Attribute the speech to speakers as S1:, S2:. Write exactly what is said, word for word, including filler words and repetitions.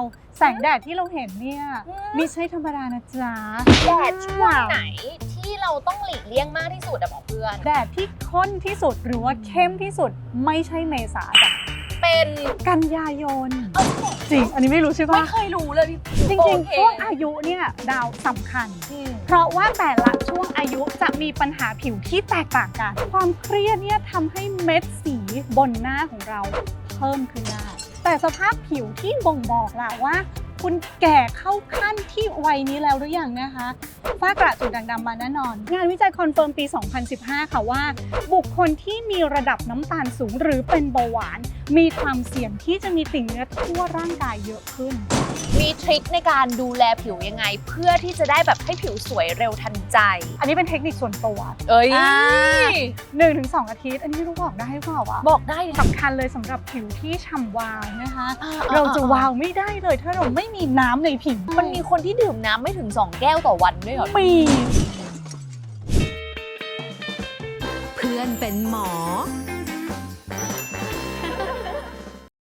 S1: แสงแดดที่เราเห็นเนี่ยไม่ใช่ธรรมดานะจ๊ะ
S2: แดดช่วงไหนที่เราต้องหลีกเลี่ยงมากที่สุดอะบอกเพื่อน
S1: แดดที่ข้นที่สุดหรือว่าเข้มที่สุดไม่ใช่เมษาจ้ะ
S2: เป็น
S1: กันยายนจริงอันนี้ไม่รู้ใช่ปะ
S2: ไม่เคยรู้เลยพี่
S1: จริง
S2: โอ
S1: ๆ
S2: เค
S1: ช่วงอายุเนี่ยดาวสำคัญ
S2: อืม
S1: เพราะว่าแต่ละช่วงอายุจะมีปัญหาผิวที่แตกต่างกัน ความเครียดเนี่ยทำให้เม็ดสีบนหน้าของเราเพิ่มขึ้นได้แต่สภาพผิวที่บ่งบอกล่ะว่า คุณแก่เข้าขั้นที่วัยนี้แล้วหรือยังนะคะฝ้ากระจุดด่างดำมาแน่นอน งานวิจัยคอนเฟิร์มปี สองพันสิบห้า ค่ะว่า บุคคลที่มีระดับน้ำตาลสูงหรือเป็นเบาหวาน มีความเสี่ยงที่จะมีติ่งเนื้อทั่วร่างกายเยอะขึ้น
S2: มีทริคในการดูแลผิวยังไง เพื่อที่จะได้แบบให้ผิวสวยเร็วทันใจ
S1: อันนี้เป็นเทคนิคส่วนตัว
S2: เอ้ย
S1: หนึ่งถึงสองอาทิตย์ อันนี้ไม่รู้บอกได้หรือเปล่าวะ
S2: บอกได้ดิ
S1: สำคัญเลยสำหรับผิวที่ฉ่ำวาวนะคะ
S2: อ่
S1: เราจะวาวไม่ได้เลยถ้าเราไม่มีน้ำในผิว
S2: มันมีคนที่ดื่มน้ำไม่ถึงสองแก้วต่อวันด้วยเหรอ
S1: มี
S3: เพื่อนเป็นหมอ